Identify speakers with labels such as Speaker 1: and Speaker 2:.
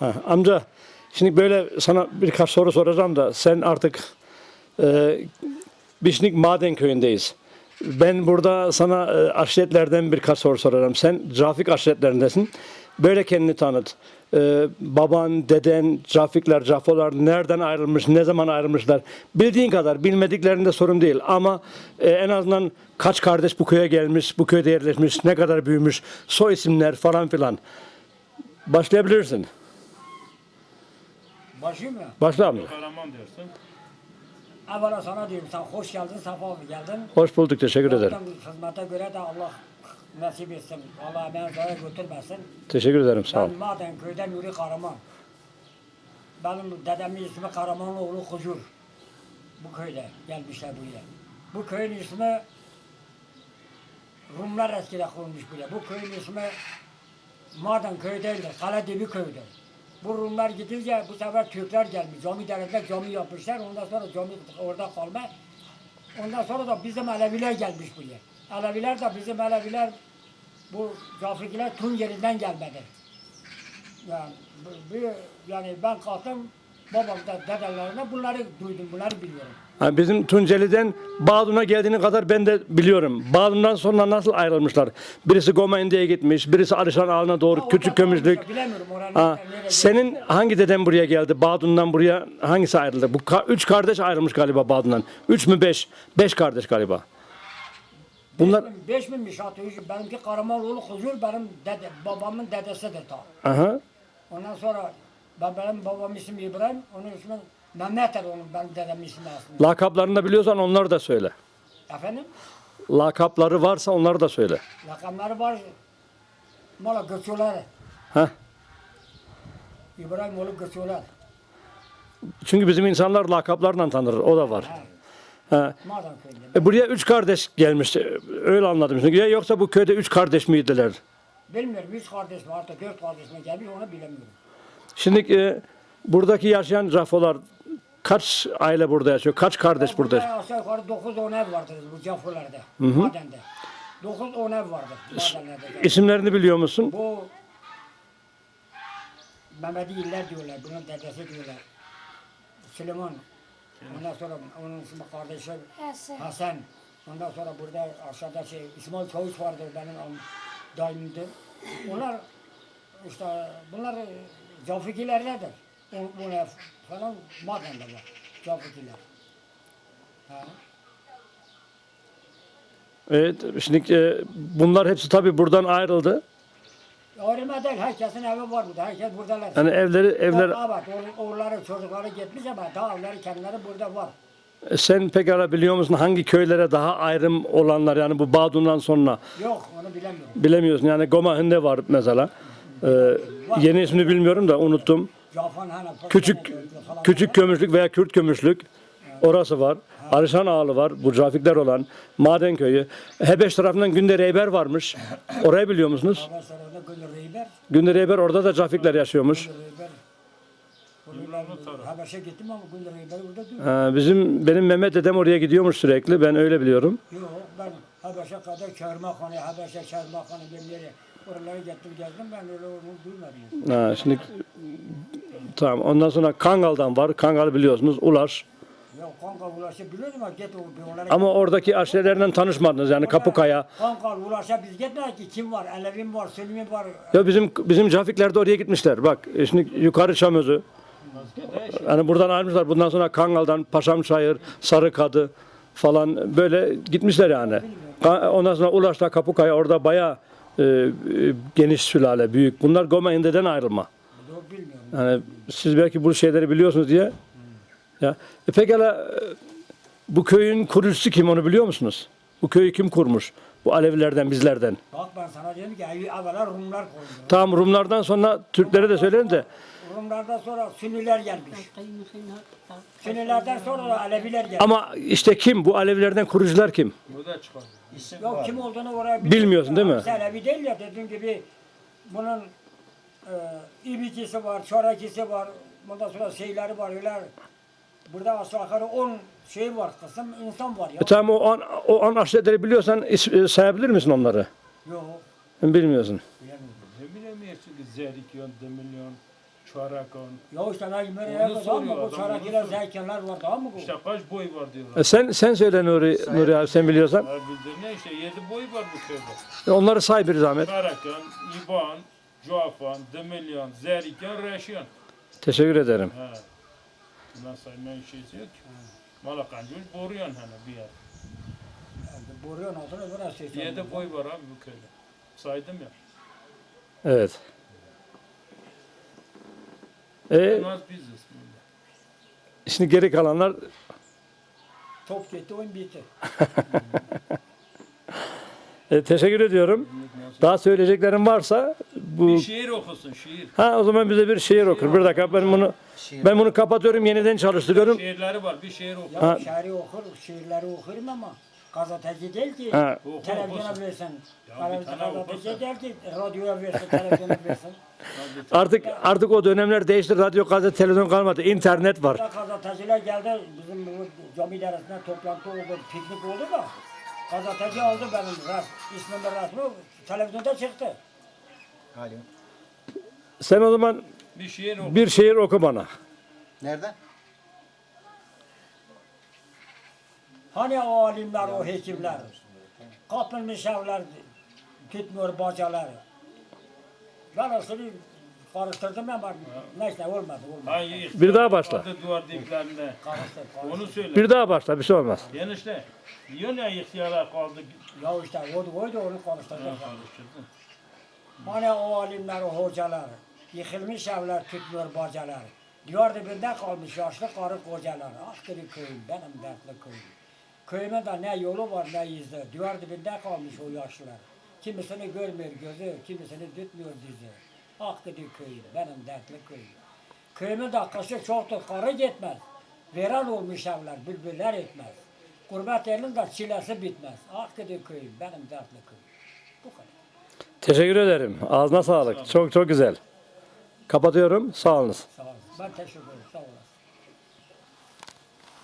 Speaker 1: Ha, amca şimdi böyle sana birkaç soru soracağım da sen artık Bişnik Maden Köyü'ndeyiz. Ben burada sana aşiretlerden birkaç soru sorarım. Sen Cafik aşiretlerindesin. Böyle kendini tanıt. Baban, deden, Cafikler, Cafolar nereden ayrılmış, ne zaman ayrılmışlar? Bildiğin kadar, bilmediklerinde sorun değil. Ama en azından kaç kardeş bu köye gelmiş, bu köyde yerleşmiş, ne kadar büyümüş, soy isimler falan filan. Başlayabilirsin.
Speaker 2: Başlayayım mı?
Speaker 1: Başla amca.
Speaker 3: Kahraman diyorsun.
Speaker 2: Evvela sana diyorum, sen hoş geldin, sefa geldin.
Speaker 1: Hoş bulduk, teşekkür ederim.
Speaker 2: Yaptığın hizmete göre de Allah nasip etsin. Allah emeğini zayi götürmesin.
Speaker 1: Teşekkür ederim, sağ ol.
Speaker 2: Ben Maden köyden Nuri Karaman. Benim dedemin ismi Karamanoğlu Huzur. Bu köyde gelmişler buraya. Bu köyün ismi Rumlar eskiden kurmuş buraya. Bu köyün ismi Maden köy değildir, Kaledibi köyüdür. Bu Rumlar gidince bu sefer Türkler gelmiş. Cami derinde cami yapmışlar. Ondan sonra cami orada kalma. Ondan sonra da bizim Aleviler gelmiş buraya. Aleviler de bizim Aleviler bu Cafikler Tunceli'den gelmedi. Yani ben kalktım babam da dedelerine bunları duydum, bunları biliyorum.
Speaker 1: Ha, bizim Tunceli'den Bağdun'a geldiğini kadar ben de biliyorum. Bağdun'dan sonra nasıl ayrılmışlar? Birisi Gomendi'ye gitmiş, birisi Arışan Ağlı'na doğru,
Speaker 2: Ha,
Speaker 1: Küçük
Speaker 2: orada
Speaker 1: Kömürlük.
Speaker 2: kalmışlar, bilemiyorum oranın
Speaker 1: Ha,
Speaker 2: nereye
Speaker 1: senin hangi deden buraya geldi? Bağdun'dan buraya hangisi ayrıldı? Bu üç kardeş ayrılmış galiba Bağdun'dan. Üç mü beş? Beş kardeş galiba. Bunlar...
Speaker 2: 5.000'miş atıyor. Benimki Karamanoğlu Huzur benim babamın dedesidir ta.
Speaker 1: Aha.
Speaker 2: Ondan sonra benim babamın ismi İbrahim, onun ismi Mehmet'tir benim dedemin ismi aslında.
Speaker 1: Lakaplarını da biliyorsan onları da söyle.
Speaker 2: Efendim?
Speaker 1: Lakapları varsa onları da söyle.
Speaker 2: Lakamları var. Mala göçüyorlar.
Speaker 1: Heh.
Speaker 2: İbrahim oğlu göçüyorlar.
Speaker 1: Çünkü bizim insanlar lakaplarla tanır. O da var. Ha.
Speaker 2: Maden köyünde.
Speaker 1: Buraya üç kardeş gelmişti. Öyle anladım. Çünkü ya yoksa bu köyde üç kardeş miydiler?
Speaker 2: Bilmiyorum 3 kardeş mi artık 4 kardeş mi gelmiş onu bilemiyorum.
Speaker 1: Şimdi buradaki yaşayan Cafolar kaç aile burada yaşıyor? Kaç kardeş burada yaşıyor?
Speaker 2: Aşağı yukarı 9-10 ev vardır bu Cafular'da, madende. 9-10 ev vardır madenlerde.
Speaker 1: İsimlerini biliyor musun?
Speaker 2: Bu Mehmedi İller diyorlar, bunun dedesi diyorlar. Süleyman. Ondan sonra onun ismi kardeşi Hasan. Ondan sonra burada aşağıda İsmail Çavuş vardır benim daimimdir. Onlar işte bunlar Cafikilerlerdir. Bunlar falan madende var. Cafikiler. Ha.
Speaker 1: Evet, şimdi bunlar hepsi tabii buradan ayrıldı.
Speaker 2: Ayrılma değil, herkesin evi var burada, herkes buradalar.
Speaker 1: Yani evler
Speaker 2: Evet, oğulları, çocukları gitmiş ama daha evleri kendileri burada var.
Speaker 1: sen pekala biliyor musun hangi köylere daha ayrım olanlar yani bu Bağdun'dan sonra
Speaker 2: Yok, onu bilemiyorum.
Speaker 1: bilemiyorsun. Yani Gomahinde var mesela. Yeni ismini bilmiyorum da unuttum.
Speaker 2: Cafan hani
Speaker 1: Küçük Kömüşlük veya Kürt Kömüşlük orası var. Arışan Ağlı var. Bu Cafikler olan Maden Köyü. Hebeş tarafından Günde Reyber varmış. Orayı biliyor musunuz?
Speaker 2: Ondan sonra orada Gönül Reyber.
Speaker 1: Günde Reyber orada da Cafikler yaşıyormuş.
Speaker 2: Habeş'e gittim ama Gönül Reyber orada diyor.
Speaker 1: Benim Mehmet dedem oraya gidiyormuş sürekli. Ben öyle biliyorum.
Speaker 2: Yok ben Habeş'e kadar Çarmıhane, Habeş'e Çarmıhane bir oralara gittim gezdim ben öyle onu duymadım.
Speaker 1: Ha, şimdi tamam. Ondan sonra Kangal'dan var. Kangal'ı biliyorsunuz. Ulaş.
Speaker 2: Yok Kankal Ulaş'ı biliyordum ama git onlara.
Speaker 1: Ama oradaki aşirelerden tanışmadınız. Yani Kapıkaya.
Speaker 2: Kankal Ulaş'a biz gitmedik ki kim var? Alevim var, Sülmi var.
Speaker 1: Ya bizim Cafikler de oraya gitmişler. Bak şimdi yukarı Çamözü. Yani buradan ayrılmışlar. Bundan sonra Kangal'dan Paşamçayır, Sarıkadı falan böyle gitmişler yani. Ondan sonra Ulaş'ta Kapıkaya orada bayağı geniş sülale, büyük. Bunlar Gomende'den ayrılma.
Speaker 2: Yok bilmiyorum.
Speaker 1: Yani siz belki bu şeyleri biliyorsunuz diye. Ya pekala bu köyün kurucusu kim onu biliyor musunuz? Bu köyü kim kurmuş? Bu Alevilerden, bizlerden.
Speaker 2: Bak ben sana diyorum ki evvela Rumlar koydu.
Speaker 1: Tamam Rumlardan sonra Türklere de söyleyin de.
Speaker 2: Rumlardan sonra Sünniler gelmiş. Sünnilerden sonra da Aleviler gelmiş.
Speaker 1: Ama işte kim? Bu Alevilerden kurucular kim?
Speaker 3: Burada çıkar. İsim
Speaker 2: Yok
Speaker 3: var.
Speaker 2: kim olduğunu oraya
Speaker 1: Bilmiyorsun değil mi?
Speaker 2: Sen Alevi değil ya dediğim gibi bunun İbikisi var, Çorakisi var, bundan sonra şeyleri var öyle. Burada aşağı yukarı 10 şey var, kısım insan var ya.
Speaker 1: Tamam o an aşiretleri biliyorsan sayabilir misin onları?
Speaker 2: Yok,
Speaker 1: Bilmiyorsun.
Speaker 2: bilemiyorum.
Speaker 3: Ne bilemiyorsun ki Zerikyon, Demiryon. Çorakon.
Speaker 2: Ya işte ben böyle
Speaker 3: Onu
Speaker 2: yapmadım
Speaker 3: soruyor
Speaker 2: ama bu
Speaker 3: adam,
Speaker 2: çarakiler
Speaker 3: onu soruyor.
Speaker 2: zeykenler var daha mı bu?
Speaker 3: İşte kaç boy var diyorlar.
Speaker 1: Sen söyle Nuri abi sen biliyorsan.
Speaker 3: Ha, bildir ne işte 7 boy var bu köyde.
Speaker 1: Onları say bir zahmet.
Speaker 3: Çorakon, İban, Cuafan, Demilyan, Zerikan, Reşyan.
Speaker 1: Teşekkür ederim.
Speaker 3: Ha. Bundan saymayan şeysi yok ki. Malakancı boruyan hani bir yer.
Speaker 2: Boruyon adını burası.
Speaker 3: 7 boy var abi bu köyde. Saydım ya.
Speaker 1: Evet.
Speaker 3: En az biziz.
Speaker 1: Şimdi geri kalanlar
Speaker 2: Top gitti oyun bitti.
Speaker 1: teşekkür ediyorum. Daha söyleyeceklerim varsa bu
Speaker 3: Bir şiir okusun şiir.
Speaker 1: o zaman bize bir şiir okur. Bir dakika ben bunu kapatıyorum, yeniden çalıştırıyorum.
Speaker 3: Şiirleri var bir şiir oku.
Speaker 2: Ya şiiri okur, şiirleri okurum ama gazeteci değil ki.
Speaker 1: Ha.
Speaker 3: Oku,
Speaker 2: Televizyona
Speaker 3: okusun.
Speaker 2: versin.
Speaker 3: Ya bir tane
Speaker 2: Gazeteci
Speaker 3: okursun.
Speaker 2: değil ki radyoya versin, televizyona versin.
Speaker 1: Artık o dönemler değişti. Radyo, gazete, televizyon kalmadı. İnternet var.
Speaker 2: Gazeteciler geldi, bizim bu cami dersinde toplantı oldu, piknik oldu da. Gazeteci aldı benim ismimin resmi, televizyonda çıktı.
Speaker 4: Alo.
Speaker 1: Sen o zaman
Speaker 3: Bir şiir oku.
Speaker 1: bir şiir oku bana.
Speaker 4: Nerede?
Speaker 2: Hani o alimler, o hekimler, kapılmış evler, tutmuyor bacaları. Ben aslında karıştırdım ama neyse olmadı.
Speaker 3: Hangi
Speaker 1: Bir daha başla.
Speaker 3: adı duvar diplerinde.
Speaker 2: Karıştır.
Speaker 3: Onu söyle.
Speaker 1: Bir daha başla, bir şey olmaz.
Speaker 3: Enişte. Diyor ya ihtiyara kaldı.
Speaker 2: Ya işte oydu onu karıştırdım.
Speaker 3: Karıştırdın.
Speaker 2: Hani o alimler, o hocalar, yıkılmış evler, tutmuyor bacalar. Diyar dibinde kalmış yaşlı karı kocalar. Ah dedi köyüm, benim dertli köyüm. Köyüme de ne yolu var ne izi. Diyar dibinde kalmış o yaşlılar. Kimisini görmüyor gözü, kimisini tutmuyor dizi. Ah dedi köyüm, benim dertli köyüm. Köyümün de kışı çoktur, karı gitmez. Veren olmuş evler, bülbüller etmez. Gurbet elin de çilesi bitmez. Ah dedi köyüm, benim dertli köyüm. Bu kadar.
Speaker 1: Teşekkür ederim. Ağzına sağlık. Çok çok güzel. Kapatıyorum. Sağ olunuz.
Speaker 2: Sağ olun. Ben teşekkür ederim. Sağ olun.